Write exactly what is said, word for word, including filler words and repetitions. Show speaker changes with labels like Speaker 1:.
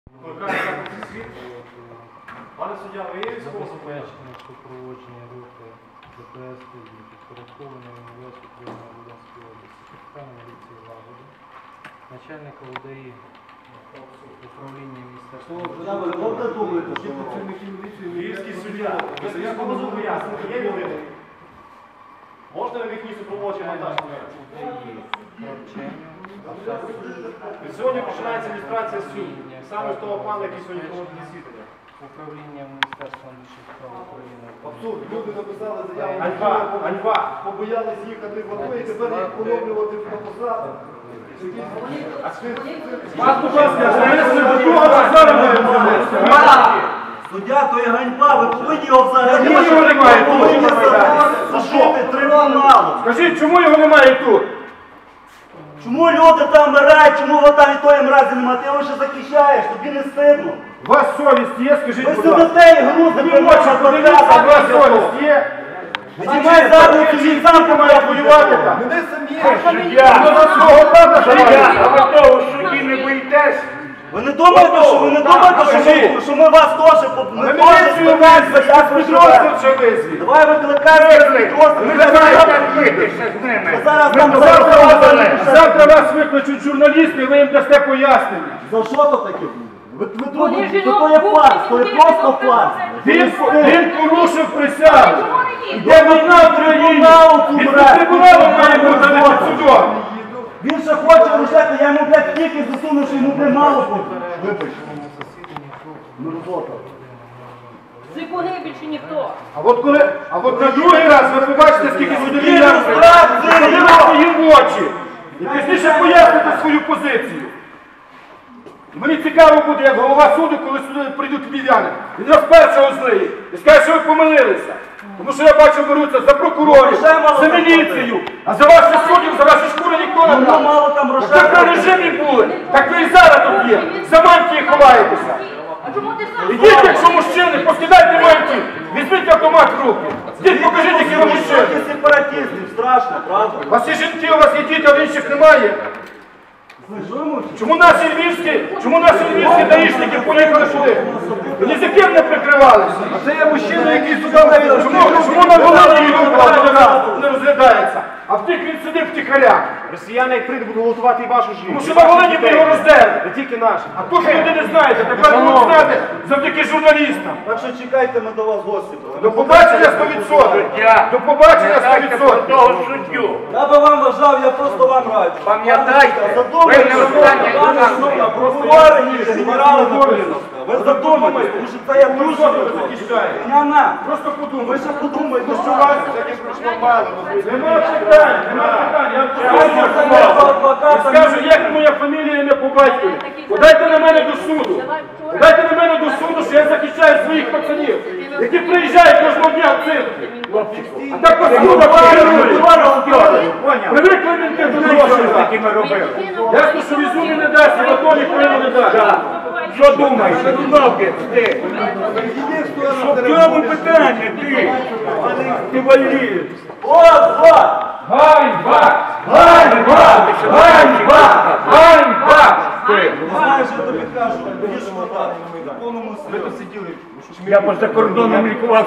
Speaker 1: Пане суддя, ви є військовослужбовцем?
Speaker 2: Забезпечення супроводження руху ДПС тоді підпорядкованої університету України Волинської області, капітана міліції Лагоди, начальника УДАІ управління міністерства.
Speaker 1: Львівський суддя. Я поможу пояснити. Є людина? Можна ви їхні супроводження монтаж? Від сьогодні починається ілюстрація суду. Саме з того пана, який сьогодні проводить засідання.
Speaker 2: Управління Міністерства внутрішніх справ України.
Speaker 3: Абсурд. Люди написали заяву,
Speaker 1: Ганьба! Ганьба!
Speaker 3: побоялись їхати в АТО і тепер їх поновлювати на посаду.
Speaker 1: Вас, будь ласка,
Speaker 4: Суддя, то є ганьба, ви повинні його взагалі.
Speaker 1: Чому його немає тут?
Speaker 4: повинні зашити трибуналу.
Speaker 1: Скажіть, чому його немає тут?
Speaker 4: Чому люди там вмирають, чому ви там і тої мразі немає? Ти його ще захищаєш, тобі не стидно.
Speaker 1: У вас совість є, скажіть,
Speaker 4: Ви
Speaker 1: будь ласка.
Speaker 4: сидите і грузите
Speaker 1: Ви очі подивіться, у вас совість є?
Speaker 4: Знімай задню, тобі сам
Speaker 1: Має воювати там.
Speaker 3: Мене самі.
Speaker 1: Ну, за свого пана живе.
Speaker 5: А ви того в суді не боїтесь?
Speaker 4: Ви не думаєте, що ви не думаєте, що ми, що ми вас теж ми
Speaker 1: Ви
Speaker 4: теж
Speaker 1: міліцію везли, я з підрозділ вже визвіть.
Speaker 4: Давай викликаємо підрозділ.
Speaker 5: Ви
Speaker 4: Ви зараз
Speaker 5: знаєте, з ними.
Speaker 4: ви зараз
Speaker 5: Ми
Speaker 4: там
Speaker 1: Завтра
Speaker 4: завтра.
Speaker 1: вас, завтра вас викличуть журналісти, ви їм дасте пояснення.
Speaker 4: За що то таке буде? Ви, ви
Speaker 6: Вони
Speaker 4: думаєте,
Speaker 6: жінок
Speaker 4: що то є
Speaker 6: купять,
Speaker 4: фарс, то є
Speaker 6: вони
Speaker 4: просто
Speaker 6: жінок
Speaker 4: фарс.
Speaker 1: Він, він порушив присягу.
Speaker 6: Йде
Speaker 1: Де війна в країні? Він під трибуналом має бути, а не під судом.
Speaker 4: Він ще хоче рушати, я йому, блядь, тільки засуну, що йому, блядь, мало буде. Вибач. Мерзота.
Speaker 6: Зикуни більше ніхто.
Speaker 1: А от коли, а от на другий раз ви побачите, скільки судові
Speaker 4: Він розбрат, це
Speaker 1: подивіться їм в очі. І пізніше поясните свою позицію. Мені цікаво буде, як голова суду, коли сюди прийдуть львів'яни. Він розперше злиє і скаже, що ви помилилися. Тому що я бачу, беруться за прокурорів, за міліцію, а за ваших суддів, за ваші шкури ніхто не
Speaker 4: Воно
Speaker 1: брав.
Speaker 4: мало там
Speaker 1: Ви
Speaker 4: грошей.
Speaker 1: при режимі були, так ви і зараз тут є. За мантії ховаєтеся.
Speaker 6: А чому ти сам?
Speaker 1: Ідіть, якщо мужчини, поскидайте мантії, візьміть автомат в руки. Ідіть, покажіть, які ви мужчини.
Speaker 4: Трохи сепаратистів, страшно, правда?
Speaker 1: У вас є жінки, у вас є діти, а в інших немає. Чому наші львівські, чому наші львівські даїшники поїхали сюди? І ні за ким не прикривалися. А це є мужчина, який сюди навіть. Чому, чому на Волині його не розглядається? А в тих він сидить втіхаря.
Speaker 3: Росіяни, як прийдуть, будуть голосувати і вашу жінку.
Speaker 1: Тому що на Волині ви його роздерли.
Speaker 3: Не тільки наші.
Speaker 1: А тут люди не знаєте, тепер будуть знати завдяки журналістам.
Speaker 4: Так що чекайте, ми до вас гості.
Speaker 1: До побачення сто відсотків. До побачення сто
Speaker 5: Пам'ятайте про
Speaker 1: відсотків.
Speaker 5: того суддю.
Speaker 4: Я би вам вважав, я просто вам раджу.
Speaker 5: Пам'ятайте,
Speaker 4: Задумайтеся,
Speaker 5: ви не останні
Speaker 4: пане
Speaker 5: людина.
Speaker 4: Супа, прокурори ні, генерали Горбіна. Ви задумайтеся, тому що це я дуже
Speaker 1: захищаєте?
Speaker 4: на на.
Speaker 1: Просто
Speaker 4: Ви
Speaker 1: подумайте.
Speaker 4: ще подумайте, що
Speaker 1: вас Нема питань, нема питань. Я скажу, скажу, як моя фамілія, ім'я по батькові. Подайте на мене до суду. Подайте на мене до суду, що я захищаю своїх пацанів, які приїжджають кожного дня в цирк. А так по суду керують. Привикли мінти до грошей.
Speaker 5: ми робили.
Speaker 1: Ясно, що візу не дасть, і ото ніхто йому не дасть.
Speaker 5: Що думаєш? Ноги, ти. Що в цьому питання, ти? Ти валієш.
Speaker 4: От, от!
Speaker 1: Ганьба! Ганьба! Ганьба! Ганьба!
Speaker 4: Знаєш, я тобі кажу, будеш вода. В повному світі.
Speaker 5: Я поза кордоном лікував.